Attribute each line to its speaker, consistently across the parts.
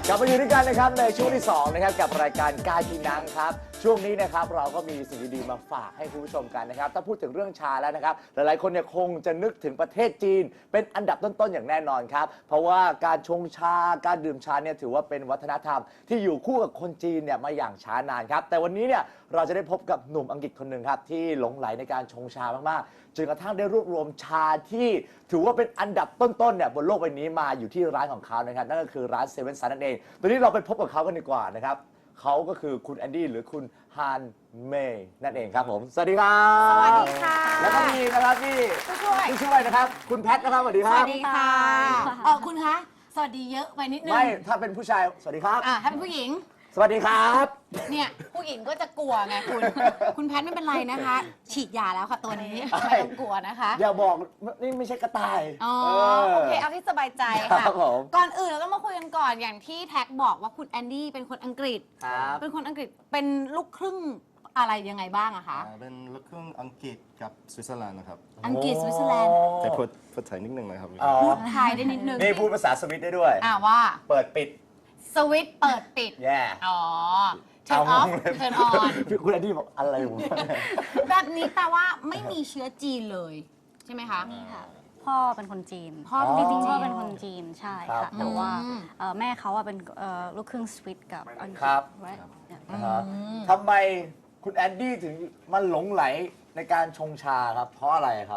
Speaker 1: กลับมาอยู่ด้วยกันนะครับในช่วงที่2นะครับกับรายการกายกินนังครับช่วงนี้นะครับเราก็มีสิ่งดีๆมาฝากให้คุณผู้ชมกันนะครับถ้าพูดถึงเรื่องชาแล้วนะครับหลายๆคนเนี่ยคงจะนึกถึงประเทศจีนเป็นอันดับต้นๆอย่างแน่นอนครับเพราะว่าการชงชาการดื่มชาเนี่ยถือว่าเป็นวัฒนธรรมที่อยู่คู่กับคนจีนเนี่ยมาอย่างช้านานครับแต่วันนี้เนี่ยเราจะได้พบกับหนุ่มอังกฤษคนหนึ่งครับที่หลงใหลในการชงชามากๆจนกระทั่งได้รวบรวมชาที่ถือว่าเป็นอันดับต้นๆเนี่ยบนโลกใบนี้มาอยู่ที่ร้านของเขานะครับนั่นก็คือร้านเซเว่นซันนั่นเองตอนนี้เราไปพบกับเขากันดีกว่านะครับเขาก็คือคุณแอนดี้หรือคุณฮานเมย์นั่นเองครับผมสวัสดีครับ
Speaker 2: สวัสดีค่ะ
Speaker 1: แล้วก็มีนะครับที่ช่วยนะครับคุณแพทนะครับสวัสดีค
Speaker 2: ส
Speaker 1: รับ
Speaker 2: วัสดีค่ะคุณคะสวัสดีเยอะไปนิดนึง
Speaker 1: ไม่ถ้าเป็นผู้ชายสวัสดีครับ
Speaker 2: ถ้าเป็นผู้หญิง
Speaker 1: สวัสดีครับ
Speaker 2: เนี่ยผู้หญิงก็จะกลัวไงคุณแพทไม่เป็นไรนะคะ ฉีดยาแล้วค่ะตัวนี้ไม่ต้องกลัวนะคะ
Speaker 1: อย่าบอกนี่ไม่ใช่กระต่าย
Speaker 2: อ๋อโอเคเอาที่สบายใจ
Speaker 1: ครั
Speaker 2: ค่ะ
Speaker 1: บผม
Speaker 2: ก่อนอื่นเราต้องมาคุยกันก่อนอย่างที่แท็กบอกว่าคุณแอนดี้เป็นคนอังกฤษ
Speaker 1: ครับ
Speaker 2: เป็นคนอังกฤษเป็นลูกครึ่งอะไรยังไงบ้างอะคะ
Speaker 3: เป็นลูกครึ่งอังกฤษกับสวิตเซอร์แลนด์นะครับ
Speaker 2: อังกฤษสวิตเซอร์แลนด์
Speaker 3: แต่พูดไทยนิดนึงนะครับ
Speaker 1: อ๋อ
Speaker 2: พูดไทยได้นิดนึง
Speaker 1: นี่พูดภาษาสวิตได้ด้วย
Speaker 2: ว่า
Speaker 1: เปิดปิด
Speaker 2: สวิตช์เปิดปิด
Speaker 1: แย่
Speaker 2: อ๋อ turn off turn on
Speaker 1: คุณแอนดี้บอกอะไรวะ
Speaker 2: แบบนี้แปลว่าไม่มีเชื้อจีนเลย ใช่ไหมคะ
Speaker 4: นี่ค่ะพ่อเป็นคนจีน
Speaker 2: พ่อเป็นคนจีน
Speaker 4: จริงๆพ่อเป็นคนจีนใช่
Speaker 1: ครั
Speaker 4: ค่ะ
Speaker 1: บ
Speaker 4: แต่ว่า
Speaker 2: อืม
Speaker 4: แม่เขาอะเป็นลูกครึ่งสวิตกับอังกฤษ
Speaker 1: ครับ
Speaker 4: ไว้เนี่ย
Speaker 1: นะฮะทำไมคุณแอนดี้ถึงมาหลงไหลในการชงชาครับ เพราะอะไรครับ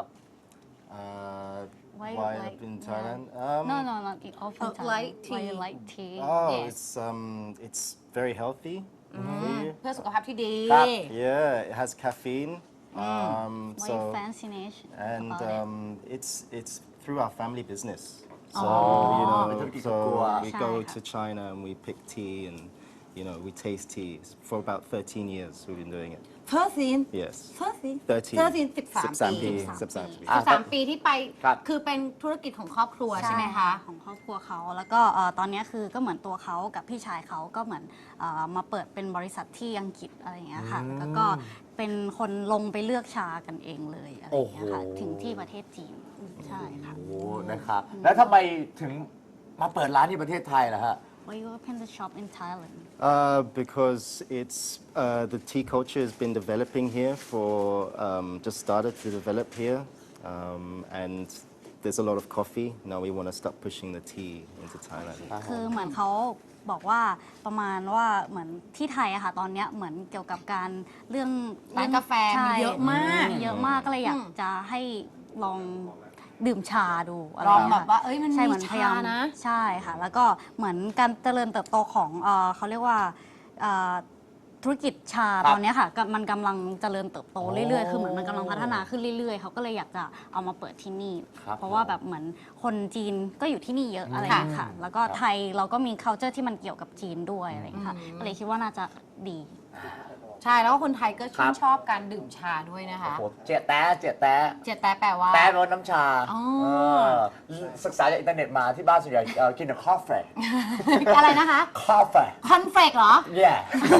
Speaker 4: Why you
Speaker 3: Why
Speaker 4: like-
Speaker 3: up in Thailand?
Speaker 4: no no not the often time
Speaker 2: light
Speaker 4: why you
Speaker 2: tea.
Speaker 4: like tea
Speaker 3: Oh,
Speaker 2: Yes.
Speaker 3: it's very healthy for you.
Speaker 2: เพื่อสุขภาพที่ดี
Speaker 1: ครับ
Speaker 3: Yeah, it has caffeine.
Speaker 4: why you
Speaker 3: So
Speaker 4: fascination
Speaker 3: and
Speaker 4: about
Speaker 3: it's through our family business. So
Speaker 2: Oh.
Speaker 3: you know,
Speaker 1: Betul-betul
Speaker 3: so
Speaker 1: kuat.
Speaker 3: we go to China and we pick tea and we taste tea. For about 13 years we've been doing it.
Speaker 2: เฟิร์สซีน
Speaker 3: Yes.
Speaker 2: เฟิร์สซีน
Speaker 3: 13
Speaker 2: 13 ปี
Speaker 3: 13
Speaker 2: 13 ปีที่ไป
Speaker 1: ครับ
Speaker 2: คือเป็นธุรกิจของครอบครัวใช่ไหมคะ
Speaker 4: ของครอบครัวเขาแล้วก็ตอนนี้คือก็เหมือนตัวเขากับพี่ชายเขาก็เหมือนมาเปิดเป็นบริษัทที่อังกฤษอะไรอย่างเงี้ยค่ะแล้วก็เป็นคนลงไปเลือกชากันเองเลยอะไรอย่างเงี้ยค่ะ
Speaker 1: โอ้โห
Speaker 4: ถึงที่ประเทศจีนใช่ค่ะ
Speaker 1: โอ้นะครับ แล้วทำไมถึงมาเปิดร้านที่ประเทศไทยล่ะฮะ
Speaker 4: Why you open the shop in Thailand
Speaker 3: Because it's the tea culture has been developing here for just started to develop here, and there's a lot of coffee. Now we want to start pushing the tea into Thailand.
Speaker 4: คือเหมือนเขาบอกว่าประมาณว่าเหมือนที่ไทยอะค่ะตอนเนี้ยเหมือนเกี่ยวกับการเรื่อง
Speaker 2: ร้านกาแฟ
Speaker 4: ใช่
Speaker 2: มีเยอะมาก
Speaker 4: มีเยอะมากก็เลยอยากจะให้ลองดื่มชาดูอะไร
Speaker 2: ลอง
Speaker 4: ย่ย
Speaker 2: แบบว่าเอ้ยมัน
Speaker 4: ใช่
Speaker 2: มี
Speaker 4: เหมือนพยายาม
Speaker 2: ชานะ
Speaker 4: ใช่ค่ะ แล้วก็เหมือนการเจริญเติบโตของเขาเรียกว่าธุรกิจชา
Speaker 1: ครับ
Speaker 4: ตอนเนี้ยค่ะมันกำลังเจริญเติบโตเรื่อยๆ คือเหมือนมันกำลังพัฒนา
Speaker 1: โอ้
Speaker 4: ขึ้นเรื่อยๆ เขาก็เลยอยากจะเอามาเปิดที่นี่
Speaker 1: ครับ
Speaker 4: เพราะว่าแบบเหมือนคนจีนก็อยู่ที่นี่เยอะอะไรอย่างเงี้ยค่ะ แล้วก็ไทยเราก็มี culture ที่มันเกี่ยวกับจีนด้วยอะไรอย่างเงี้ยค่ะก็เลยคิดว่าน่าจะดี
Speaker 2: ใช่แล้วก็คนไทยก็ชื่
Speaker 1: ครั
Speaker 2: น
Speaker 1: บ
Speaker 2: ชอบการดื่มชาด้วยนะคะ
Speaker 1: โอ้โหเจี๊ยแต้เจี๊ยแต้
Speaker 2: เจแต้แปลว่า
Speaker 1: แต้รสน้ำชา
Speaker 2: อ๋อ
Speaker 1: ศึกษาจากอินเทอร์เน็ตมาที่บ้านส่วนใหญ่กินแต่คอฟเฟ่
Speaker 2: อะไรนะคะ
Speaker 1: คอฟเฟ่
Speaker 2: คอนเฟลกเหรอ
Speaker 1: yeah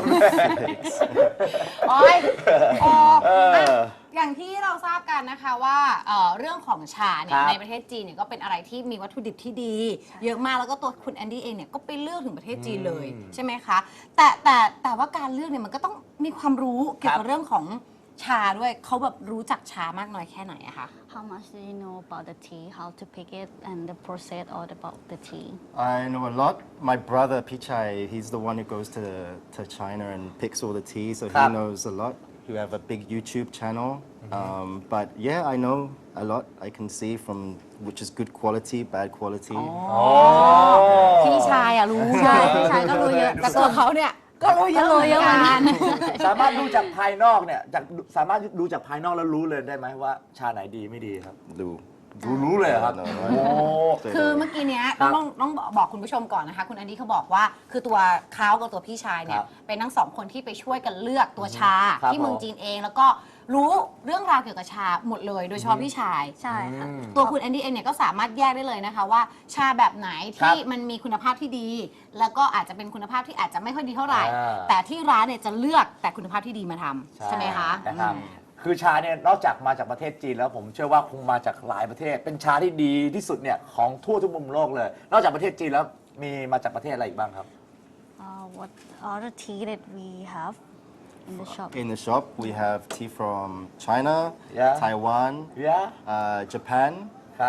Speaker 2: โอ้ยโอ้
Speaker 1: เออ
Speaker 2: อ่ะอย่างที่เราทราบกันนะคะว่าเรื่องของชาเนี่
Speaker 1: ค
Speaker 2: ย
Speaker 1: รับ
Speaker 2: ในประเทศจีนเนี่ยก็เป็นอะไรที่มีวัตถุดิบที่ดี เยอะมากแล้วก็ตัวคุณแอนดี้เองเนี่ยก็ไปเลือกถึงประเทศจีนเลยใช่ไหมคะแต่ว่าการเลือกเนี่ยมันก็ต้องมีความรู้เกี่ยวกับเรื่องของชาด้วยเขาแบบรู้จักชามากน้อยแค่ไหนอะคะ
Speaker 4: How much do you know about the tea how to pick it and the process all about the tea
Speaker 3: I know a lot. My brother Pichai, he's the one who goes to China and picks all the tea, so he
Speaker 1: ครับ
Speaker 3: knows a lot. You have a big YouTube channel, but yeah, I know a lot. I can see from which is good quality, bad quality.
Speaker 2: พี่ชายอะรู้
Speaker 4: ใช่พี่ชายก็รู้เยอะ
Speaker 2: แต่ตัวเขาเนี่ยก็รู้เยอะเหมือนกัน
Speaker 1: สามารถดูจากภายนอกเนี่ยสามารถดูจากภายนอกแล้วรู้เลยได้ไหมว่าชาไหนดีไม่ดีครับ
Speaker 3: Do.
Speaker 1: รู้เลยเหรอครับ
Speaker 3: No,
Speaker 1: โอ้
Speaker 2: คือเมื่อกี้เนี้ย
Speaker 1: ครับ
Speaker 2: ต้องบอกคุณผู้ชมก่อนนะคะ คุณแอนดี้เขาบอกว่าคือตัวเขากับตัวพี่ชายเนี่
Speaker 1: ค
Speaker 2: ย
Speaker 1: รับ
Speaker 2: เป็นทั้งสองคนที่ไปช่วยกันเลือกตัวชา
Speaker 1: ครับ
Speaker 2: ที่เมืองจีนเองแล้วก็รู้เรื่องราวเกี่ยวกับชาหมดเลย โดยเฉพาะพี่ชาย
Speaker 4: ใช่ค่ะ
Speaker 2: ตัวคุณแอนดี้เองเนี่ยก็สามารถแยกได้เลยนะคะว่าชาแบบไหน
Speaker 1: ครั
Speaker 2: ที่
Speaker 1: บ
Speaker 2: มันมีคุณภาพที่ดี แล้วก็อาจจะเป็นคุณภาพที่อาจจะไม่ค่อยดีเท่าไหร่
Speaker 1: อ่า
Speaker 2: แต่ที่ร้านเนี่ยจะเลือกแต่คุณภาพที่ดีมาทำใช่ไหมคะ
Speaker 1: นะครับคือชาเนี่ยนอกจากมาจากประเทศจีนแล้วผมเชื่อว่าคงมาจากหลายประเทศ เป็นชาที่ดีที่สุดเนี่ยของทั่วทุกมุมโลกเลย นอกจากประเทศจีนแล้วมีมาจากประเทศอะไรอีกบ้างครับ
Speaker 4: What other tea that we have in the shop?
Speaker 3: In the shop, we have tea from China,
Speaker 1: Yeah.
Speaker 3: Taiwan, Japan,
Speaker 1: ครับ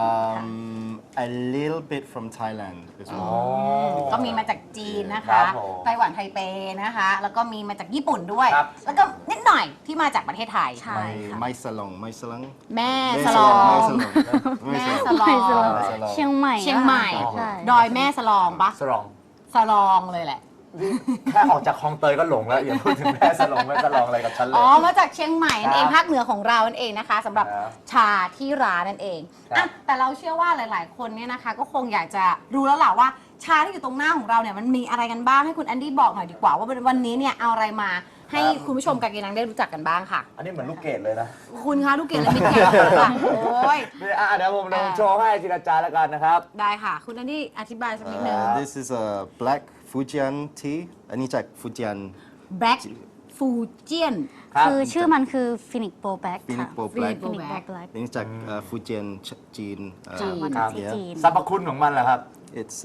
Speaker 3: a little bit from Thailand as well.
Speaker 2: ก็มีมาจากจีนนะ
Speaker 1: ครั
Speaker 2: คะ
Speaker 1: บผม
Speaker 2: ไต้หวันไทเปนะคะ แล้วก็มีมาจากญี่ปุ่นด้วย
Speaker 1: ครับ
Speaker 2: แล้วก็นิดหน่อยที่มาจากประเทศไทย
Speaker 4: ใช่ค่ะ
Speaker 3: My salon, my salon.
Speaker 2: แม่
Speaker 3: My
Speaker 2: สลอง
Speaker 3: my salon.
Speaker 2: แม่
Speaker 3: My
Speaker 2: ส
Speaker 3: salon.
Speaker 2: ลอง
Speaker 3: salon
Speaker 4: เชียงใหม่
Speaker 2: เชียงใหม่
Speaker 4: ใช่
Speaker 2: ดอยแม่สลองปะ
Speaker 1: สลอง
Speaker 2: สลองเลยแหละ
Speaker 1: แค่ออกจากคลองเตยก็หลงแล้ว อย่าพูดถึงแม่สลองแม่สลองอะไรกับฉันเลย
Speaker 2: อ๋อ มาจากเชียงใหม่นั่นเอง
Speaker 1: ครับ
Speaker 2: ภาคเหนือของเรานั่นเองนะคะสำหรับ
Speaker 1: ครับ
Speaker 2: ชาที่ร้านนั่นเอง
Speaker 1: ครับ
Speaker 2: อ่ะแต่เราเชื่อว่าหลาย ๆ คนเนี่ยนะคะ ก็คงอยากจะรู้แล้วล่ะว่าชาที่อยู่ตรงหน้าของเราเนี่ยมันมีอะไรกันบ้างให้คุณแอนดี้บอกหน่อยดีกว่าว่าวันนี้เนี่ยเอาอะไรมาให้คุณผู้ชมกากีนังได้รู้จักกันบ้างค่ะ
Speaker 1: อันนี้เหมือนลูกเกดเลยนะ
Speaker 2: คุณคะลูกเกดและมิตรแกะค่ะโอ้ย
Speaker 1: นี่เดี๋ยวผมลองโชว์ให้ทีละจานแล้วกันนะครับ
Speaker 2: ได้ค่ะ คุณแอนดี้อธิบายสักนิดนึง
Speaker 3: This is a black Fujian tea. อันนี้จาก Fujian
Speaker 2: Black Fujian
Speaker 1: ครับ
Speaker 4: คือชื่อมันคือฟินิกโปแบ็ก
Speaker 3: Phoenix
Speaker 4: ค่ะ
Speaker 3: Bow Black
Speaker 4: ฟินิกโปแบ็ก
Speaker 3: อันนี้จาก Fujian จีน
Speaker 4: จีน
Speaker 1: ครับ
Speaker 4: ที่จีน
Speaker 1: สรรพคุณของมันเหรอครับ
Speaker 3: It's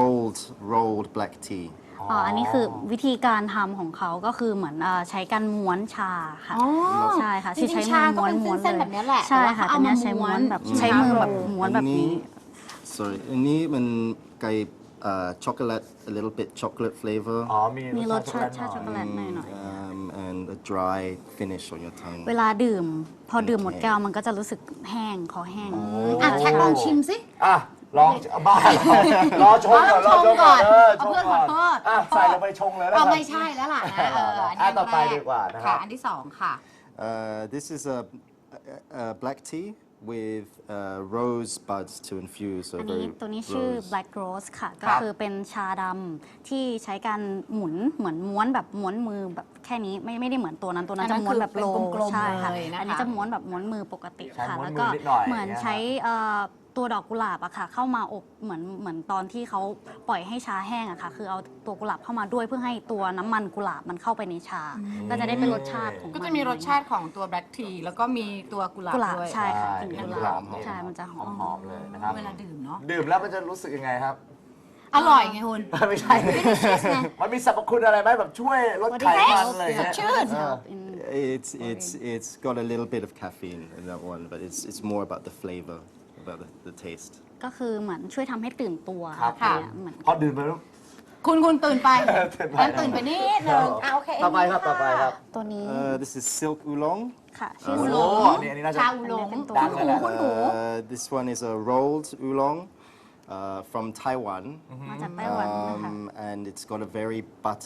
Speaker 3: rolled black tea.
Speaker 4: อันนี้คือวิธีการทำของเขาก็คือเหมือนใช้การม้วนชาค่ะ
Speaker 2: อ๋อ
Speaker 4: ใช่ค่ะ
Speaker 2: จริงๆ
Speaker 4: ใช้
Speaker 2: ชา
Speaker 4: มือ
Speaker 2: ก็
Speaker 4: ม้วน
Speaker 2: เป็น
Speaker 4: ม้วน
Speaker 2: เส้นๆ
Speaker 4: เล
Speaker 2: แบบนี้แหละ
Speaker 4: ใช่ค่ะ
Speaker 2: แต่
Speaker 4: แต่
Speaker 2: ว่า
Speaker 4: เนี้ย
Speaker 2: เขา
Speaker 4: ใช้
Speaker 2: เอา
Speaker 4: ม้
Speaker 2: มา
Speaker 4: วนแบบ
Speaker 2: ม้วน
Speaker 4: ใช้มือแบบม้วนแบบนี้
Speaker 3: Sorry อันนี้มันไก่chocolate a little bit chocolate flavor
Speaker 1: อ๋อ
Speaker 4: มีรสชาติ
Speaker 1: ห
Speaker 4: ชา
Speaker 1: น่อย
Speaker 4: ช็อกโกแลตหน่อย
Speaker 3: and a dry finish on your tongue
Speaker 4: ๆเวลาดื่ม พอดื่มหมดแก้วมันก็จะรู้สึกแห้งคอแห้ง
Speaker 2: อ่ะแท็กลองชิมสิ
Speaker 1: อ่ะ ลองบ้าเหรอรอชงก่อนรอชงก่อน
Speaker 2: เอาเพื่อนขอโทษ
Speaker 1: อ่ะใส่ลงไปชงเลยนะค
Speaker 2: เอา
Speaker 1: รับ
Speaker 2: ไม่ใช่แล้วล่ะนะอัน
Speaker 1: อ่ะ
Speaker 2: นี้
Speaker 1: ต่อไป
Speaker 2: แร
Speaker 1: ดีกว่านะครับ
Speaker 2: อันที่สองค่ะ
Speaker 3: This is a black tea with rose buds to infuse. So
Speaker 4: อันนี้
Speaker 3: very
Speaker 4: ตัวนี้ชื่อ
Speaker 3: rose.
Speaker 4: black rose ค่ะ
Speaker 1: ครั
Speaker 4: ก็
Speaker 1: บ
Speaker 4: คือเป็นชาดำที่ใช้การหมุนเหมือนม้วนแบบม้วนมือแบบแค่นี้ไม่ได้เหมือนตัวนั้น
Speaker 2: อันนั้
Speaker 4: จะ
Speaker 2: น
Speaker 4: ม้วนแบบ
Speaker 2: คือ
Speaker 4: โล
Speaker 2: เป็นกลมๆ
Speaker 4: ใช่ค่ะ
Speaker 2: เลยนะคะ
Speaker 4: อันนี้จะม้วนแบบม้วนมือปกติ
Speaker 1: ใช้
Speaker 4: ค่ะ
Speaker 1: ม้วน
Speaker 4: แล้ว
Speaker 1: มื
Speaker 4: ก็
Speaker 1: อนิดหน่อย
Speaker 4: เหมือน
Speaker 1: อย่างเงี้ย
Speaker 4: ใช้ตัวดอกกุหลาบอะค่ะ เข้ามาอบเหมือนตอนที่เขาปล่อยให้ชาแห้งอะค่ะ คือเอาตัวกุหลาบเข้ามาด้วยเพื่อให้ตัวน้ำมันกุหลาบมันเข้าไปในชา ก็จะได้เป็นรสชาติของ
Speaker 2: ก็จะมีรสชาติของตัว black tea แล้วก็มีตัวกุหลาบ
Speaker 4: กุหลาบ
Speaker 2: ด้วย
Speaker 4: ใช่ค่ะ
Speaker 1: ใช่
Speaker 4: กลิ่น
Speaker 1: มี
Speaker 4: กุหลาบ
Speaker 1: กุหลาบ
Speaker 4: ใช่มันจะหอม
Speaker 1: หอมๆเลยนะครับ
Speaker 2: เวลาดื่มเนาะ
Speaker 1: ดื่มแล้วมันจะรู้สึกยังไงครับ
Speaker 2: อร่อยไงคุณ
Speaker 1: ไม่ใช่ มันมีสรรพคุณอะไรไหมแบบช่วยลดไขมันอะไรอย่างเงี้ย
Speaker 2: ชื่น
Speaker 3: It's got a little bit of caffeine in that one, but it's more about the flavor, about the taste.
Speaker 4: ก็คือเหมือนช่วยทำให้ตื่นตัว
Speaker 1: ครับ
Speaker 2: ค่ะ
Speaker 4: เนี่ยเหมือน
Speaker 1: พอดื่มไปแล้ว
Speaker 2: คุณตื่นไป
Speaker 1: ตื่นไป
Speaker 2: ตื่นไปนิดนึงโอเค
Speaker 1: ต่อไปครับต่อไปครับ
Speaker 4: ตัวนี้
Speaker 3: This is silk oolong.
Speaker 4: ค่ะ ชื่อ
Speaker 1: โอ้
Speaker 4: โซ
Speaker 1: โห
Speaker 4: ล
Speaker 1: อันนี้น่าจะ
Speaker 2: ชาอูหลง
Speaker 4: เป็นตัว
Speaker 1: ดังเลยแหละ
Speaker 2: คุณหนู
Speaker 3: This one is a rolled oolong from Taiwan.
Speaker 4: มาจากไต้หวันนะคะ
Speaker 3: And it's got a very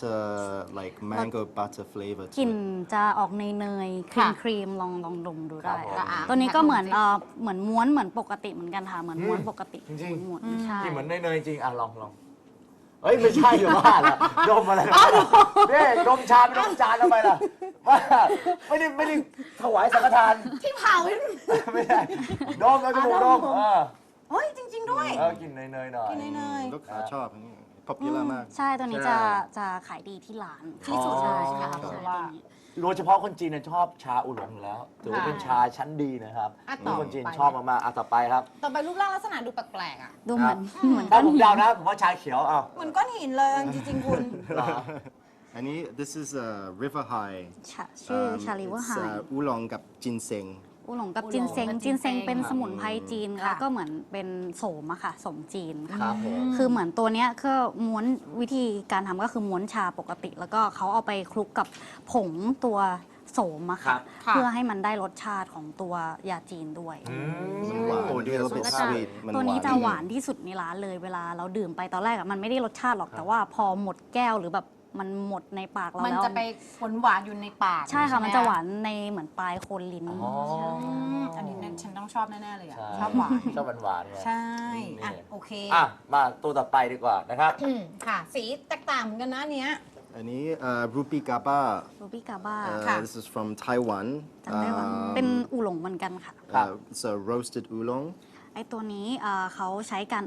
Speaker 3: like mango butter flavor
Speaker 4: กลิ่น
Speaker 3: to it.
Speaker 4: จะออกเนยๆครี
Speaker 2: ค่ะ
Speaker 4: มครีมลองดมดูได้
Speaker 1: ครับผม
Speaker 4: ค่ะตัวนี้ก็เหมือนเหมือนม้วนเหมือนปกติเหมือนกันค่ะ เหมือนม้วนปกติ
Speaker 1: จริงๆ
Speaker 4: หมุนใช่
Speaker 1: ที่เหมือนเนยๆจริงอ่ะลองเอ้ยไม่ใช่อยู่บ้านละดมอะไรเนี่ยดมชาไม่ดมจานทำไมล่ะว่าไม่ได้ถวายสังฆทาน
Speaker 2: ที่เผา
Speaker 1: ไม่ได้ดมแล้วจมูกดม
Speaker 2: เฮ้ยจริง ๆ ด้วย
Speaker 1: กินเนยๆหน่อย
Speaker 2: กินเนย
Speaker 3: ลูกค้าชอบอันนี้ popular มาก
Speaker 4: ใช่ตัวนี้
Speaker 1: ใช่
Speaker 4: จะขายดีที่ร้าน
Speaker 2: ที่สุด
Speaker 4: ใช่
Speaker 2: ใช่ไหม
Speaker 4: ค่ะ
Speaker 2: คะเพ
Speaker 4: ใช่
Speaker 2: ราะว่า
Speaker 4: ตัวนี้
Speaker 1: โดยเฉพาะคนจีนเนี่ยชอบชาอูหลงอยู่แล้วถือว่าเป็นชาชั้นดีนะครับ
Speaker 2: อ่ะต่อ
Speaker 1: คนจีน
Speaker 2: ไป
Speaker 1: ชอบมากๆต่อไปครับ
Speaker 2: ต่อไปรูปร่างลักษณะดูแปลกๆอ่ะ
Speaker 4: ดูเหมือนเหมือน
Speaker 1: ถ้า
Speaker 4: ก้อน
Speaker 1: ผม
Speaker 4: หิน
Speaker 1: เดานะผมว่าชาเขียวเอา
Speaker 2: เหมือนก้อนหินเลยจริงๆคุณ
Speaker 1: เหรอ
Speaker 3: อันนี้ this is a river high
Speaker 4: ชื่อชาลิเวอร์ไฮ
Speaker 3: อูลองกับจินเซง
Speaker 4: อูหลงกับ
Speaker 2: อูหลง
Speaker 4: จินเซง
Speaker 2: กับ
Speaker 4: จินเซง
Speaker 2: จินเซง
Speaker 4: เป็นสมุนไพรจีน
Speaker 2: ค่ะ
Speaker 4: แล้วก็เหมือนเป็นโสมอะค่ะโสมจีนค่ะ
Speaker 1: ครับผม
Speaker 4: คือเหมือนตัวเนี้ยก็ม้วนวิธีการทำก็คือม้วนชาปกติ แล้วก็เขาเอาไปคลุกกับผงตัวโสมอะ
Speaker 1: ครั
Speaker 4: ค่ะ
Speaker 1: บ
Speaker 2: ค่ะ
Speaker 4: เพื่อให้มันได้รสชาติของตัวยาจีนด้วย
Speaker 3: หวาน
Speaker 1: โอ้ดี
Speaker 3: a little
Speaker 1: สุ
Speaker 3: bit
Speaker 1: ด
Speaker 4: ก็
Speaker 1: ๆ
Speaker 4: จะ
Speaker 3: sweet มัน
Speaker 4: ตัวนี้
Speaker 3: หวาน
Speaker 4: จะหวานที่สุดในร้านเลยเวลาเราดื่มไปตอนแรกอะมันไม่ได้รสชาติหรอกแต่ว่าพอหมดแก้วหรือแบบมันหมดในปากเรา
Speaker 2: มัน
Speaker 4: แล้ว
Speaker 2: จะไปหวานอยู่ในปาก
Speaker 4: ใช่ค่ะ
Speaker 2: ไห
Speaker 4: มันจะหวานในเหมือนปลายโคนลิ้น
Speaker 1: อ๋อ
Speaker 4: ใช่
Speaker 2: อันนี้นั่นฉันต้องชอบแน่ๆเลยอ่ะ
Speaker 1: ใช่
Speaker 2: ชอบหวาน
Speaker 1: ชอบหวานๆไง
Speaker 2: ใช่อ่ะ
Speaker 1: นี่
Speaker 2: โอเค
Speaker 1: อ่ะมาตัวต่อไปดีกว่านะครับ
Speaker 2: ค่ะ สีแตกต่างเหมือนกันนะอันเนี้ย
Speaker 3: อันนี้รูปีกาบ้า
Speaker 4: รูบี้กาบ้า
Speaker 2: ค่ะ
Speaker 3: this is from Taiwan
Speaker 4: จากไต้หวันเป็นอูหลงเหมือนกันค่ะ
Speaker 1: ครับ
Speaker 3: it's a roasted oolong
Speaker 4: ไอตัวนี้เขาใช้การอบ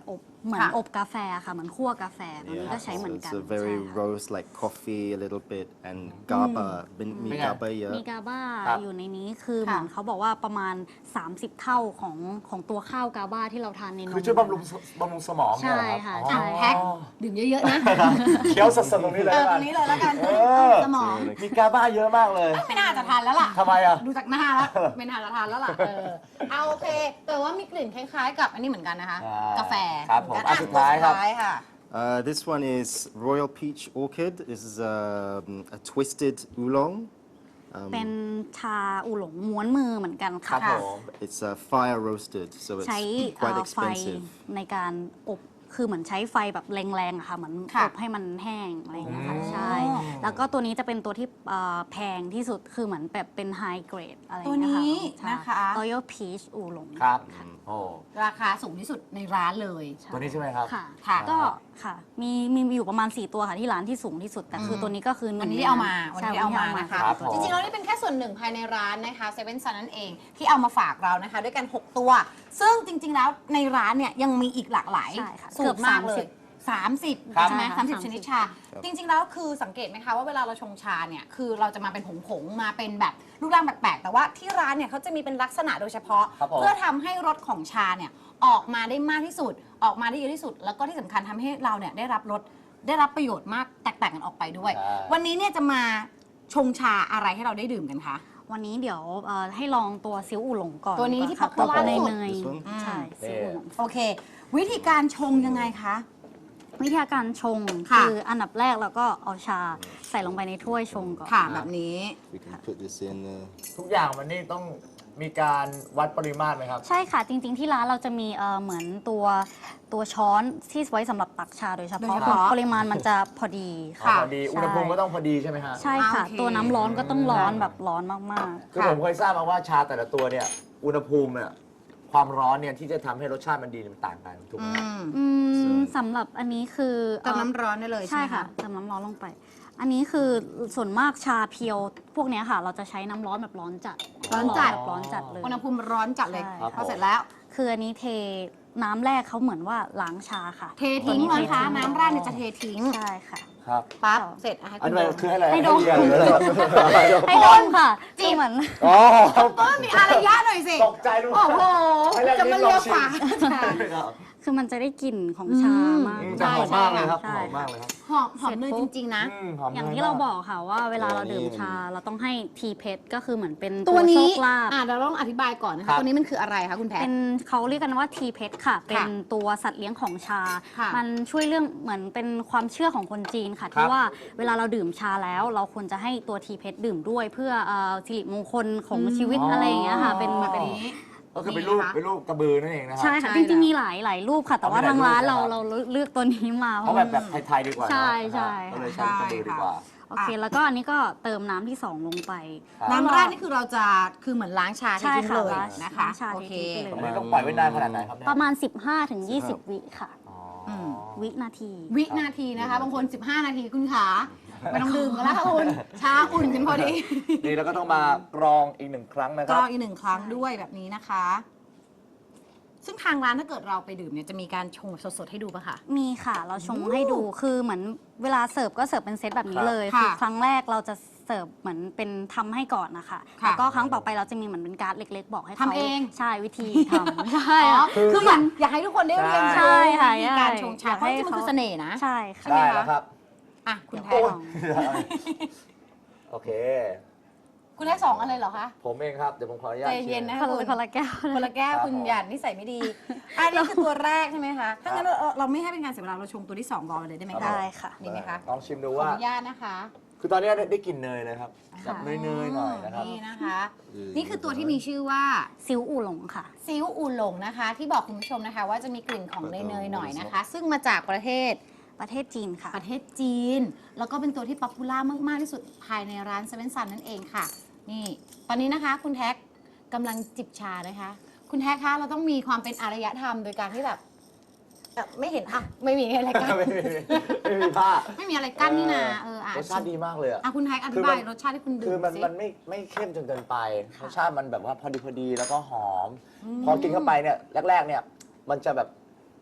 Speaker 4: เหมือน
Speaker 2: ค่ะ
Speaker 4: อบกาแฟค่ะเหมือนคั่วกาแฟตัวนี้ก็ใช้เหมือน
Speaker 3: so
Speaker 4: กัน
Speaker 3: it's a very
Speaker 4: ใช่ค่ะ
Speaker 3: roast like coffee a little bit and GABA. Mi
Speaker 1: Yeah.
Speaker 3: GABA เยอะ
Speaker 4: มีกาบ้า
Speaker 1: ครับ
Speaker 4: อยู่ในนี้คือ
Speaker 2: ค่ะ
Speaker 4: เหมือนเขาบอกว่าประมาณ 30 เท่าของตัวข้าวกาบ้าที่เราทานในนม
Speaker 1: คือช่วยบำรุงสมองเนี่ยเหรอ
Speaker 4: ใช่ค่ะ
Speaker 1: รับ
Speaker 4: ใช่
Speaker 2: แพ็คดื่มเยอะๆนะ
Speaker 1: เคี้ยวสดๆตรงนี้เลย
Speaker 2: ต
Speaker 1: แล้ว
Speaker 2: ร
Speaker 1: กัน
Speaker 2: งนี้เลยแล้วกัน
Speaker 1: เออ
Speaker 2: สมอง
Speaker 1: มีกาบ้าเยอะมากเลย
Speaker 2: ไม่น่าจะทานแล้วล่ะ
Speaker 1: ทำไมอ่ะ
Speaker 2: ดูจากหน้าแล้ว ไม่น่าจะทานแล้วล่ะเอาโอเค แต่ว่ามีกลิ่นคล้ายๆ กับอันนี้เหมือนกันนะคะ
Speaker 1: อ่าก
Speaker 2: าแฟ
Speaker 1: ครับผม
Speaker 2: เหอนกัน
Speaker 1: อ่ะสุดท้ายครับ
Speaker 2: สุดท้ายค่ะ
Speaker 3: This one is Royal Peach Orchid. This is a twisted oolong.
Speaker 4: เป็นชาอูหลงม้วนมือเหมือนกัน
Speaker 1: ครั
Speaker 4: ค่ะ
Speaker 1: บผม
Speaker 3: It's fire roasted, so it's
Speaker 4: ใช้
Speaker 3: quite
Speaker 4: ไฟ
Speaker 3: expensive.
Speaker 4: ในการอบคือเหมือนใช้ไฟแบบแรงๆอะค่ะเหมือน
Speaker 2: ค่ะ
Speaker 4: อบให้มันแห้งอะไรอย่างเงี้ยค่ะ
Speaker 1: อืม
Speaker 4: ใช่ แล้วก็ตัวนี้จะเป็นตัวที่แพงที่สุดคือเหมือนแบบเป็นไฮเกรดอะไรอย่างเงี้ยค่ะ
Speaker 2: ตัวนี้
Speaker 4: ใช่
Speaker 2: นะคะ
Speaker 4: Royal Peach อูหลง
Speaker 1: ครับโอ้
Speaker 2: ราคาสูงที่สุดในร้านเลย
Speaker 1: ตัวนี้ใช่ไหมครับ
Speaker 4: ค่ะ
Speaker 2: ค่ะ
Speaker 4: ก็ค่ะมีอยู่ประมาณ 4 ตัวค่ะที่ร้านที่สูงที่สุด แต่คือตัวนี้ก็คือห
Speaker 2: วัน
Speaker 4: นึ่ง
Speaker 2: นี้ที่เอามา วัน
Speaker 4: ใช่
Speaker 2: นี้เอามานะคะ
Speaker 1: ครับผม
Speaker 2: จริงๆแล้วนี่เป็นแค่ส่วนหนึ่งภายในร้านนะคะเซเว่นซันนั่นเองที่เอามาฝากเรานะคะ ด้วยกัน 6 ตัว ซึ่งจริง ๆ แล้วในร้านเนี่ยยังมีอีกหลากหลาย
Speaker 4: ใช่ค่ะ
Speaker 2: สูตรมากเลย 30
Speaker 1: ครับ
Speaker 2: ใช่ไหม
Speaker 4: ค่ะ
Speaker 2: 30 ชนิดชา จริง ๆ แล้วคือสังเกตไหมคะว่าเวลาเราชงชาเนี่ยคือเราจะมาเป็นผงๆมาเป็นแบบรูปร่างแปลกๆแต่ว่าที่ร้านเนี่ยเขาจะมีเป็นลักษณะโดยเฉพาะ
Speaker 1: ครับผม
Speaker 2: เพื่อทำให้รสของชาเนี่ยออกมาได้มากที่สุด ออกมาได้เยอะที่สุด แล้วก็ที่สำคัญทำให้เราเนี่ยได้รับรสได้รับประโยชน์มากแตกต่างกันออกไปด้วย
Speaker 1: ใช่
Speaker 2: วันนี้เนี่ยจะมาชงชาอะไรให้เราได้ดื่มกันคะ
Speaker 4: วันนี้เดี๋ยวให้ลองตัวซิวอูหลงก่อน
Speaker 2: ตัวนี้ที่
Speaker 4: ดีกว่าค่ะ
Speaker 2: popular
Speaker 4: ตัว
Speaker 2: สุด
Speaker 4: เนย
Speaker 3: This one?
Speaker 4: ๆใช่ซิวอูหลง
Speaker 2: โอเค วิธีการชงยังไงคะ
Speaker 4: วิธีการชง
Speaker 2: ค่ะ
Speaker 4: คืออันดับแรกเราก็เอาชาใส่ลงไปในถ้วยชงก่อน
Speaker 2: ค่ะแบบนี้
Speaker 3: We can put this in.
Speaker 1: ทุกอย่างมันนี่ต้องมีการวัดปริมาตรไหมครับ
Speaker 4: ใช่ค่ะ จริงๆที่ร้านเราจะมีเหมือนตัวช้อนที่ไว้สำหรับตักชาโดยเฉ
Speaker 2: โดย
Speaker 4: พาะ
Speaker 2: เฉพาะ
Speaker 4: ปริมาณมันจะพอดี
Speaker 2: ค่ะ
Speaker 1: พอดี อุณหภูมิก็ต้องพอดีใช่ไหมฮะ
Speaker 4: ใช่ค่ะ
Speaker 2: โอเค
Speaker 4: ตัวน้ำร้อนก็ต้องร้อนแบบร้อนมาก
Speaker 1: คือผมเคยทราบมาว่าชาแต่ละตัวเนี่ย อุณหภูมิเนี่ยความร้อนเนี่ยที่จะทำให้รสชาติมันดีเนี่ยมันต่างกันถูกไหมครับ
Speaker 4: สำหรับอันนี้คือ
Speaker 2: เติมน้ำร้อนได้เลยใช่
Speaker 4: ใช่
Speaker 2: ไหม
Speaker 4: ค่ะ
Speaker 2: คะ
Speaker 4: เติมน้ำร้อนลงไป อันนี้คือส่วนมากชาเพียว พวกเนี้ยค่ะ เราจะใช้น้ำร้อนแบบร้อนจัด
Speaker 2: ร้อนจัด
Speaker 4: แบบร้อนจัดเลย
Speaker 2: อุณหภูมิร้อนจัดเลย
Speaker 4: ใช่
Speaker 1: ครับ
Speaker 2: พอเสร็จแล้ว
Speaker 4: คืออันนี้เทน้ำแรกเขาเหมือนว่าล้างชาค่ะ
Speaker 2: เททิ้ง
Speaker 4: ตัว
Speaker 2: นะคะ น้ำแรกเนี่ยจะเททิ้ง
Speaker 4: ใช่ค่ะ
Speaker 1: ครับ
Speaker 2: ปั๊บเสร็จะให้
Speaker 1: อัน
Speaker 2: คุณ
Speaker 1: นี้
Speaker 2: ดู
Speaker 1: คือให้อะไร
Speaker 4: ให้ดม
Speaker 1: เรียนหรืออะไร
Speaker 4: ให้ดมค่ะคือเหมือน
Speaker 1: อ๋อ
Speaker 2: มีอารยะหน่อยสิ
Speaker 1: ตกใจดู
Speaker 2: โอ้โห
Speaker 1: ให้แรก
Speaker 2: จะมา
Speaker 1: ลิ้นล
Speaker 2: เลี
Speaker 1: อง
Speaker 2: ย
Speaker 1: ชิม
Speaker 2: ฝา
Speaker 1: ครับ
Speaker 4: คือมันจะได้กลิ่นของชามาก
Speaker 1: จะหอมมากเลยครับ
Speaker 4: ใช่
Speaker 1: หอมมากเลยครับ
Speaker 2: หอมเนยจริง ๆ นะ
Speaker 1: หอม
Speaker 4: อย่าง
Speaker 1: น
Speaker 4: ที่เราบอกค่ะว่าเวลาเราดื่มชาเราต้องให้ทีเพชรก็คือเหมือนเป็น
Speaker 2: ตัว
Speaker 4: โช
Speaker 2: นี้
Speaker 4: คลาภ
Speaker 2: เราต้องอธิบายก่อนนะ
Speaker 1: ครั
Speaker 2: คะ
Speaker 1: บ
Speaker 2: ตัวนี้มันคืออะไรคะคุณแพท
Speaker 4: เป็นเขาเรียกกันว่าทีเพชรค่ะ เป็นตัวสัตว์เลี้ยงของชา
Speaker 2: ค่ะ
Speaker 4: มันช่วยเรื่องเหมือนเป็นความเชื่อของคนจีนค่ะ
Speaker 1: ครั
Speaker 4: ที่
Speaker 1: บ
Speaker 4: ว่าเวลาเราดื่มชาแล้ว เราควรจะให้ตัวทีเพชรดื่มด้วย เพื่อสิริมงคลของชีวิตอะไรอย่างเงี้ยค่ะ เป็น
Speaker 2: แบบ
Speaker 4: เป็น
Speaker 2: นี้
Speaker 1: ก็คือเป็นรูป
Speaker 2: นี่นะคะ
Speaker 1: เป็นรูปกระบือนั่นเองนะครั
Speaker 4: ใช่
Speaker 1: บ
Speaker 4: ค่ะ
Speaker 2: ใช่
Speaker 4: จริง
Speaker 2: แล้ว
Speaker 4: ๆมีหลายรูปค่ะ แต่ว่า
Speaker 1: เอา
Speaker 4: ทางร้าน
Speaker 1: มีหลายรูป
Speaker 4: เราเลือกตัวนี้มา
Speaker 1: เอาแบบไทยๆดีกว่าเนอะ
Speaker 4: ใช่ใช่
Speaker 1: ก็เลยใช้กระบือดีกว่า
Speaker 4: โอเค แล้วก็อันนี้ก็เติมน้ำที่ 2 ลงไป
Speaker 1: ครับ
Speaker 2: น้ำแรกนี่คือเราจะคือเหมือนล้างชา
Speaker 4: ใช่
Speaker 2: ทิ้ง
Speaker 4: ค่ะ
Speaker 2: เลย
Speaker 4: ล้าง
Speaker 2: นะคะ
Speaker 4: ล้างชา
Speaker 2: โอเค
Speaker 4: ทิ้งไปเลย
Speaker 1: อันนี้ต้องปล่อยไว้นานขนาดไหนครับเนี่ย
Speaker 4: ประมาณ 15-20 วิค่ะ
Speaker 1: อ๋อ
Speaker 4: วินาที
Speaker 2: วินาทีนะคะ บางคน 15 นาทีคุณขาไม่ต้องดื่มกันแล้วค่ะคุณ ชาอุ่นกันพอดี
Speaker 1: นี่แล้วก็ต้องมากรองอีกหนึ่งครั้งนะค
Speaker 2: กร
Speaker 1: รับ
Speaker 2: องอีกหนึ่งครั้งด้วยแบบนี้นะคะ ซึ่งทางร้านถ้าเกิดเราไปดื่มเนี่ยจะมีการชงแบบสดๆให้ดูปะคะ
Speaker 4: มีค่ะ เราชงให้ดูคือเหมือนเวลาเสิร์ฟก็เสิร์ฟเป็นเซตแบบนี้เลย
Speaker 2: ค่ะ
Speaker 4: คือครั้งแรกเราจะเสิร์ฟเหมือนเป็นทำให้ก่อนนะคะ
Speaker 2: ค่ะ
Speaker 4: แล้วก็ครั้งต่อไปเราจะมีเหมือนเป็นการ์ดเล็ก ๆ บอกให้เขา
Speaker 2: ทำเอง
Speaker 4: ใช่วิธีทำ ใช่
Speaker 2: อ๋อ
Speaker 4: ค่ะ
Speaker 2: คืออยากให้ทุกคนได้เรียน
Speaker 1: ใช่
Speaker 2: รู้
Speaker 4: ค่ะ
Speaker 2: วิธีการชงชา
Speaker 4: อยาก
Speaker 2: เพ
Speaker 4: ให้
Speaker 2: ราะจริงๆมันคือเสน่ห์นะ
Speaker 4: ใช่ค่ะ
Speaker 1: ได้แล้วครับ
Speaker 2: อ่ะคุณแท
Speaker 1: โอ้
Speaker 2: น
Speaker 1: ยโอเค
Speaker 2: คุณแทนสองอะไรเหรอคะ
Speaker 1: ผมเองครับ เดี๋ยวผมขออนุญาต
Speaker 2: ใจเย็นนะ
Speaker 4: คนละคนละแก้ว
Speaker 2: คนละแก้ว
Speaker 1: ครับ
Speaker 2: คุณ
Speaker 1: ผม
Speaker 2: หยาดนิสัยไม่ดี อันนี้คือตัวแรกใช่ไหมคะ ถ้างั้นเราไม่ให้เป็นการเสียเวลาเราชงตัวที่2ก่อนเลยได้ไหม
Speaker 1: ครั
Speaker 2: คะ
Speaker 1: บ
Speaker 4: ได้ค่ะ
Speaker 2: ดีไหมคะ
Speaker 1: ลองชิมดู
Speaker 2: ขอ
Speaker 1: ว่า
Speaker 2: อนุญาตนะคะ
Speaker 1: คือตอนนี้ได้กลิ่นเนยเลยครับแบบเนยๆหน่อยนะครับ
Speaker 2: นี่นะคะ นี่คือตัวที่มีชื่อว่า
Speaker 4: ซิวอูหลงค่ะ
Speaker 2: ซิวอูหลงนะคะ ที่บอกคุณผู้ชมนะคะ ว่าจะมีกลิ่นของเนยๆหน่อยนะคะ ซึ่งมาจากประเทศ
Speaker 4: ประเทศจีนค่ะ
Speaker 2: ประเทศจีน แล้วก็เป็นตัวที่ป๊อปปูล่ามากๆที่สุดภายในร้านเซเว่นซันนั่นเองค่ะ นี่ ตอนนี้นะคะ คุณแท็กกำลังจิบชานะคะ คุณแท็กคะเราต้องมีความเป็นอารยธรรมโดยการที่แบบไม่เห็นอ่ะไม่มีอะไรกั้น
Speaker 1: ไม่มีผ้า
Speaker 2: ไม่มีอะไรกั้นนี่นะอ่ะ
Speaker 1: รสชาติดีมากเลยอะ
Speaker 2: คุณแท็กอธิบายรสชาติที่คุณดื่
Speaker 1: คือ
Speaker 2: ม
Speaker 1: มัน
Speaker 2: สิ
Speaker 1: มันไม่เข้มจนเกินไปรสชาติมันแบบว่าพอดีแล้วก็หอม พอกินเข้าไปเนี่ยแรกๆเนี่ยมันจะแบบ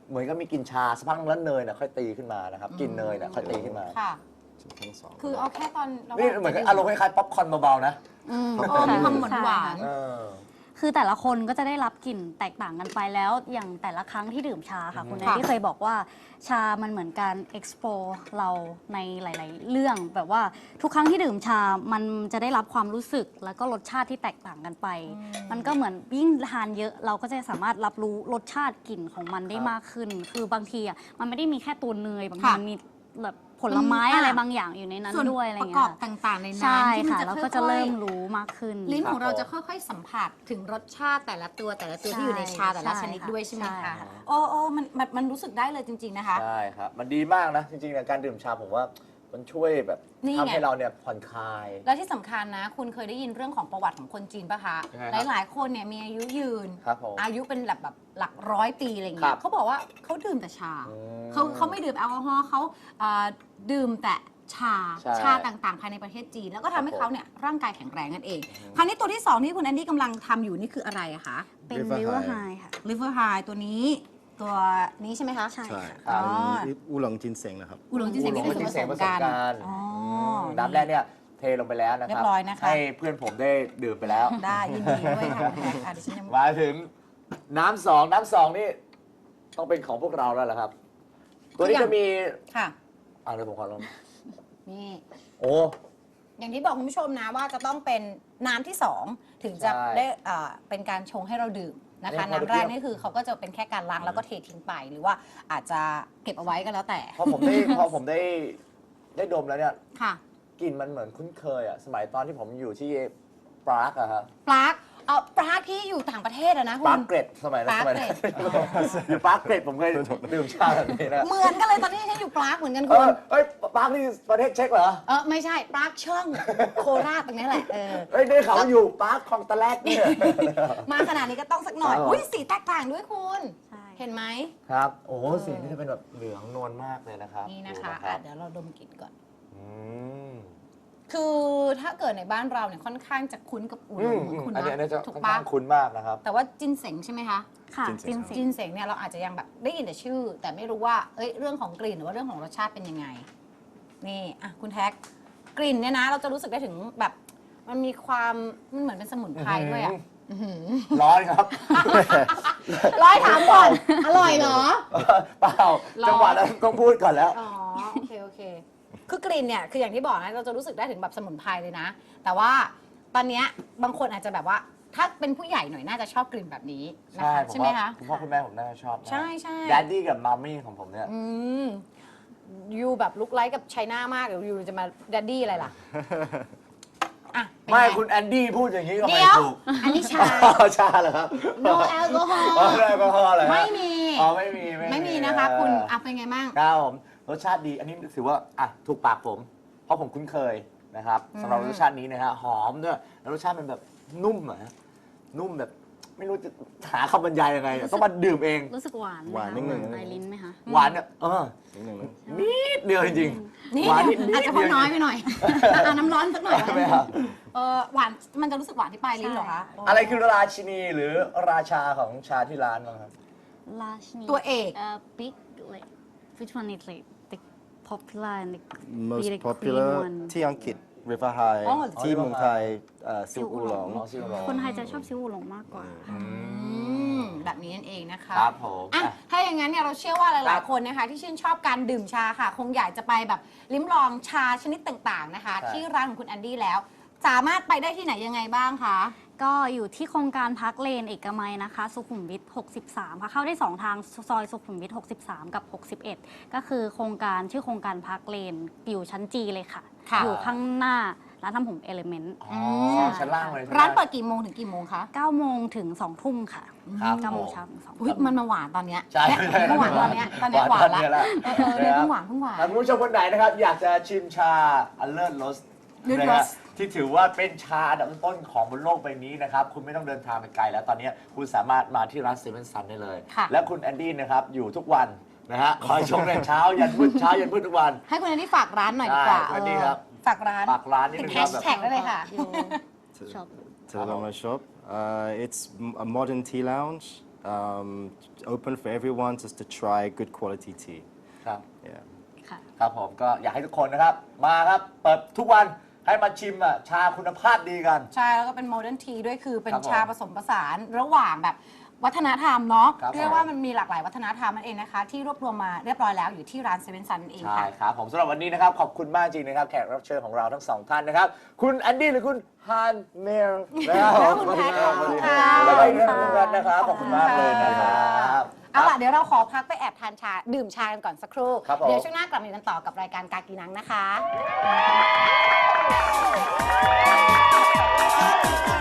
Speaker 1: เหมือนกับมีกลิ่นชาสักพักนึงแล้วเนยเนี่ยค่อยตีขึ้นมานะครับกลิ่นเนยเนี่ยค่อยตีขึ้นมา
Speaker 2: ค่ะ
Speaker 3: ทั้งสอง
Speaker 2: คือเอาแค่ตอนเรา
Speaker 1: นี่เหมือนกับอารมณ์คล้ายๆป๊อปคอร์นเบาๆนะ
Speaker 2: มีความหวาน
Speaker 1: เออ
Speaker 4: คือแต่ละคนก็จะได้รับกลิ่นแตกต่างกันไปแล้วอย่างแต่ละครั้งที่ดื่มชาค่ะ คุณแอนที่เคยบอกว่าชามันเหมือนการ explore เราในหลาย ๆ เรื่องแบบว่าทุกครั้งที่ดื่มชามันจะได้รับความรู้สึกแล้วก็รสชาติที่แตกต่างกันไป มันก็เหมือนยิ่งทานเยอะเราก็จะสามารถรับรู้รสชาติกลิ่นของมันได้มากขึ้น คือบางทีอ่ะมันไม่ได้มีแค่ตัวเนยบางทีมันมีแบบผลไม้อะไรบางอย่างอยู่ในนั้น
Speaker 2: ส่วน
Speaker 4: ด้วยอะไร
Speaker 2: ประ
Speaker 4: เงี้
Speaker 2: ก
Speaker 4: ย
Speaker 2: อบต่างๆในนั้น
Speaker 4: ใช่
Speaker 2: ที่มัน
Speaker 4: ค่ะ
Speaker 2: จะ
Speaker 4: แล้ว
Speaker 2: ค่
Speaker 4: ก็
Speaker 2: อยๆ
Speaker 4: จะเริ่มรู้มากขึ้น
Speaker 2: ลิ้นของเรา
Speaker 1: ครับ
Speaker 2: จะค่อยๆสัมผัสถึงรสชาติแต่ละตัวที่
Speaker 4: ใช่
Speaker 2: อยู่ในชาแต่ละ
Speaker 4: ใช่
Speaker 2: ชนิด
Speaker 4: ค่ะ
Speaker 2: ด้วยใช่ไหม
Speaker 4: ใช่
Speaker 2: คะ
Speaker 4: ค่ะ
Speaker 2: โอ้มันรู้สึกได้เลยจริง ๆนะคะ
Speaker 1: ใช่ครับ มันดีมากนะ จริงๆเนี่ยการดื่มชาผมว่ามันช่วยแบบ
Speaker 2: นี่ไง
Speaker 1: ทำให้เราเนี่ยผ่อนคลาย
Speaker 2: และที่สำคัญนะ คุณเคยได้ยินเรื่องของประวัติของคนจีนปะคะ
Speaker 1: ยังไงครับ
Speaker 2: หลายๆ คนเนี่ยมีอายุยืน
Speaker 1: ครับผม
Speaker 2: อายุเป็นแบบหลักร้อยปีอะไร
Speaker 1: ครั
Speaker 2: เงี้ย
Speaker 1: บ
Speaker 2: เขาบอกว่าเขาดื่มแต่ชา
Speaker 1: อืม
Speaker 2: เขาไม่ดื่มแอลกอฮอล์เขาดื่มแต่ชา
Speaker 1: ใช่
Speaker 2: ชาต่างๆ ภายในประเทศจีน แล้วก็ทำให้
Speaker 1: ครับผม
Speaker 2: เขาเนี่ยร่างกายแข็งแรงนั่นเองคราวนี้ตัวที่สองที่คุณแอนดี้กำลังทำอยู่นี่คืออะไรอะคะ
Speaker 4: เป็น
Speaker 3: River
Speaker 4: river
Speaker 3: High
Speaker 4: high ค่ะ
Speaker 2: liver high ตัวนี้ตัวนี้ใช่ไหมคะ
Speaker 4: ใช่
Speaker 3: ใช่
Speaker 1: ครั
Speaker 2: อ๋
Speaker 1: บ
Speaker 2: อ
Speaker 3: เป็นอูหลงจินเซ็งนะครับ
Speaker 2: อุหลงจินเสงนี่คือส่วนผสมกันอ๋อ
Speaker 1: น้ำแรกเนี่ยเทลงไปแล้วนะครั
Speaker 2: เรียบร้อยนะคะ
Speaker 1: ให้เพื่อนผมได้ดื่มไปแล้ว
Speaker 2: ได้ยินดีด้วยค่ะคุณแท็กดิฉันยัง
Speaker 1: มาถึงน้ำสองนี่ต้องเป็นของพวกเราแล้วเหรอครับ ตัวนี้จะมี
Speaker 2: ค่ะ
Speaker 1: เดี๋ยวผมขอลอง
Speaker 2: นี่
Speaker 1: โอ้
Speaker 2: อย่างที่บอกคุณผู้ชมนะว่าจะต้องเป็นน้ำที่สองถึงจะ
Speaker 1: ใช่
Speaker 2: ได้เป็นการชงให้เราดื่มนะคะ
Speaker 1: เนี่ยพอ
Speaker 2: น้ำแรก
Speaker 1: เทียบ
Speaker 2: นี่คือเขาก็จะเป็นแค่การล้างแล้วก็เททิ้งไป หรือว่าอาจจะเก็บเอาไว้ก็แล้วแต่
Speaker 1: พอผมได้ดมแล้วเนี่ย
Speaker 2: ค่ะ
Speaker 1: กลิ่นมันเหมือนคุ้นเคยอะสมัยตอนที่ผมอยู่ที่ปรากอะครับ
Speaker 2: ปลากปลากที่อยู่ต่างประเทศอะนะคุ
Speaker 1: ปรา
Speaker 2: ณ
Speaker 1: กเกร็ดสมัยนั้น
Speaker 2: ปราก
Speaker 1: สมัย
Speaker 2: เกร็
Speaker 1: นั้น
Speaker 2: ด
Speaker 1: อยู่ปรากเกร็ดผมเคยดื่มชาแบบนี้นะ
Speaker 2: เหมือนกันเลยตอนนี้ฉันอยู่ปลากเหมือนกัน
Speaker 1: เอ
Speaker 2: คุณ
Speaker 1: เฮ้ยปรากนี่ประเทศเช็กเหรอ
Speaker 2: ไม่ใช่ปลากช่องโคราชตรงนี้แหละ
Speaker 1: เฮ้ยได้ข่าวว่าอยู่ปรากคลองตะแลกเนี่ย
Speaker 2: มาขนาดนี้ก็ต้องสักหน่อย
Speaker 1: ครับ
Speaker 2: อุ้ยสีแตกต่างด้วยคุณ
Speaker 4: ใช่
Speaker 2: เห็นไหม
Speaker 1: ครับ โอ้โหสีนี่จะเป็นแบบเหลืองนวลมากเลยนะครับ
Speaker 2: นี่นะคะ
Speaker 1: ดูรับ
Speaker 2: เดี๋ยวเราดมกลิ่นก่อน
Speaker 1: อืม
Speaker 2: คือถ้าเกิดในบ้านเราเนี่ยค่อนข้างจะคุ้นกับอูหลงเหมือนคุณ
Speaker 1: อัน
Speaker 2: นะ
Speaker 1: นี้จะ
Speaker 2: ถูก
Speaker 1: ค่อน
Speaker 2: ปะ
Speaker 1: ข้างคุ้นมากนะครับ
Speaker 2: แต่ว่าจินเสงใช่ไหมคะ
Speaker 4: ค่ะ
Speaker 3: จิ
Speaker 4: จิ
Speaker 3: น
Speaker 4: น
Speaker 3: เซ็ง
Speaker 4: เซ็
Speaker 2: จิ
Speaker 4: ง
Speaker 2: นเสงเนี่ยเราอาจจะยังแบบได้ยินแต่ชื่อ แต่ไม่รู้ว่าเรื่องของกลิ่นหรือว่าเรื่องของรสชาติเป็นยังไง นี่อ่ะคุณแท็กกลิ่นเนี่ยนะเราจะรู้สึกได้ถึงแบบมันมีความมันเหมือนเป็นสมุนไพรด้วยอ่ะ
Speaker 1: ร้อนครับ
Speaker 2: ร้อยถามก่อน อร่อยเหรอ
Speaker 1: เปล่า
Speaker 2: ร้อน
Speaker 1: จังหวะนั้นต้องพูดก่อนแล้ว
Speaker 2: อ๋อโอเคคือกลิ่นเนี่ยคืออย่างที่บอกนะเราจะรู้สึกได้ถึงแบบสมุนไพรเลยนะ แต่ว่าตอนเนี้ยบางคนอาจจะแบบว่าถ้าเป็นผู้ใหญ่หน่อยน่าจะชอบกลิ่นแบบนี้นะคะ
Speaker 1: ผม
Speaker 2: ใช่ไหม
Speaker 1: ว่า
Speaker 2: คะ
Speaker 1: คุณพ่อคุณแม่ผมน่าจะชอบนะ
Speaker 2: ใช่ใช่
Speaker 1: ดดดี้กับมัมมี่ของผมเนี่ย
Speaker 2: ยูแบบลุกไลค์กับไชน่ามากเดี๋ยวยูจะมาดัดดี้อะไรล่ะอ่ะเป็น
Speaker 1: ไม่
Speaker 2: ง
Speaker 1: คุณแอนดี้พูดอย่างนี้ก็ไม่
Speaker 2: เดี๋ยว
Speaker 1: ถูก
Speaker 2: อันนี้ชา
Speaker 1: ชาเหรอครับ
Speaker 2: no alcohol
Speaker 1: อ๋อแอลกอฮอล์เหรอฮะ
Speaker 2: ไม่มี
Speaker 1: อ๋อไม่มี
Speaker 2: ไม่มีนะคะคุณอ่ะเป็นไงบ้าง
Speaker 1: ครับผมรสชาติดีอันนี้ถือว่าถูกปากผม เพราะผมคุ้นเคยนะครับสำหรับรสชาตินี้นะฮะหอมด้วยแล้วรสชาติมันแบบนุ่มอะฮะนุ่มแบบไม่รู้จะหาคำบรรยายยังไงต้องมาดื่มเอง
Speaker 4: รู้สึกหวานไหม
Speaker 3: หวาน
Speaker 4: คะ
Speaker 3: นิดนึง
Speaker 4: ปลายลิ้นไหมคะ
Speaker 1: หวานเนี่ย
Speaker 3: นิดนึงนะ
Speaker 1: นิดเดียวจริง
Speaker 2: นี่
Speaker 1: หวานนิด
Speaker 2: อาจจะพอน้อยไปหน่อยน้ำร้อนสักหน่อย
Speaker 1: ไม่ครับ
Speaker 2: หวานมันจะรู้สึกหวานที่ปลายลิ้นเหรอคะ
Speaker 1: อะไรคือราชินีหรือราชาของชาที่ร้านบ้างครับ
Speaker 4: ราชนี
Speaker 2: ตัวเอก
Speaker 4: big like which one is like the popular and the
Speaker 3: most
Speaker 4: be the queen
Speaker 3: popular
Speaker 4: one
Speaker 3: ที่อังกฤษ River High
Speaker 2: อ๋อ
Speaker 3: ที่เมืองไทยซิวอูหลง
Speaker 1: อ๋อซิลโร
Speaker 4: คนไทยจะชอบซิวอูหลงมากกว่า
Speaker 2: แบบนี้นั่นเองนะคะ
Speaker 1: ครับผม
Speaker 2: อ่ะถ้าอย่างนั้นเนี่ยเราเชื่อว่าหลายๆคนนะคะที่ชื่นชอบการดื่มชาค่ะ คงอยากจะไปแบบลิ้มลองชาชนิดต่างๆนะคะ
Speaker 1: ใช่
Speaker 2: ที่ร้านของคุณแอนดี้แล้ว สามารถไปได้ที่ไหนยังไงบ้างคะ
Speaker 4: ก็อยู่ที่โครงการพักเลนเอกมัยนะคะ สุขุมวิท 63 ค่ะ เข้าได้ 2 ทางซอยสุขุมวิท 63 กับ 61 ก็คือโครงการชื่อโครงการพักเลนอยู่ชั้นจีเลยค่ะ
Speaker 2: ค่ะ
Speaker 4: อยู่ข้างหน้าร้านทำผมเอลิเมนต์
Speaker 1: อ๋อชั้นล่างเลยใช่ไหม
Speaker 2: ร้านเปิดกี่โมงถึงกี่โมงคะ
Speaker 4: 9 โมงถึง 2 ทุ่มค่ะ
Speaker 1: ครับ
Speaker 4: 9 โมง
Speaker 1: ผม
Speaker 4: เช้าถึง 2
Speaker 2: อุ้ย
Speaker 4: ทุ่ม
Speaker 2: มันมาหวานตอนเนี้ย
Speaker 1: ใช่
Speaker 2: เนี่ยมันหวานตอนเนี้ยตอนเนี้ยหวานละ
Speaker 1: เนี่ย
Speaker 2: เนี่ยเพิ่งหวานเพิ่งหวาน
Speaker 1: ถ้าคุณผู้ชมคนไหนนะครับ อยากจะชิมชาอัลเลอร์โรส
Speaker 2: Alert
Speaker 1: นะฮะ
Speaker 2: Roast
Speaker 1: ที่ถือว่าเป็นชาอันดับต้นของบนโลกใบนี้นะครับ คุณไม่ต้องเดินทางไปไกลแล้วตอนนี้คุณสามารถมาที่ร้านเซเว่นซันได้เลย
Speaker 2: ค่ะ
Speaker 1: และคุณแอนดี้นะครับ อยู่ทุกวันนะฮะคอยชมในเช้ายันมืดเช้ายันมืดทุกวัน ให้
Speaker 2: คุณแอนดี้ฝากร้านหน่อยดีกว่า
Speaker 1: ได้คุณแอนดี้ครับ
Speaker 2: ฝากร้าน
Speaker 1: ฝากร้านนิด
Speaker 2: ติด
Speaker 1: นึง
Speaker 2: แฮ
Speaker 1: ครับ
Speaker 2: ช
Speaker 1: แบบ
Speaker 2: แท็กได้เลยค่ะ
Speaker 4: ชอบ
Speaker 3: to the Lama shop. It's a modern tea lounge. open for everyone just to try good quality tea.
Speaker 1: ครับ
Speaker 3: Yeah.
Speaker 4: ค่ะ
Speaker 1: ครับผมก็อยากให้ทุกคนนะครับ มาครับ เปิดทุกวันให้มาชิมชาคุณภาพดีกัน
Speaker 2: ใช่ แล้วก็เป็นโมเดิร์นทีด้วยคือเป็น
Speaker 1: ครับผม
Speaker 2: ชาผสมผสานระหว่างแบบวัฒนธรรมเนาะ
Speaker 1: ครับ
Speaker 2: เรียกว่ามันมีหลากหลายวัฒนธรรมนั่นเองนะคะ ที่รวบรวมมาเรียบร้อยแล้วอยู่ที่ร้านเซเว่นซันเอง
Speaker 1: ใช่
Speaker 2: ค่ะ
Speaker 1: ครับผมสำหรับวันนี้นะครับ ขอบคุณมากจริงนะครับ แขกรับเชิญของเราทั้งสองท่านนะครับ คุณแอนดี้หรือคุณฮานเมลนะครับ
Speaker 2: แล้วคุณแพทย์ขอบคุณค่ะ
Speaker 1: แล้วก็อีกท่านหนึงนะครับ ขอบคุณมากเลยนะครับ
Speaker 2: เอาล่ะเดี๋ยวเราขอพักไปแอบทานชาดื่มชากันก่อนสักครู่
Speaker 1: ครับผม
Speaker 2: เดี๋ยวช่วงหน้ากลับมาอยู่กันต่อกับรายการกากีนังนะคะ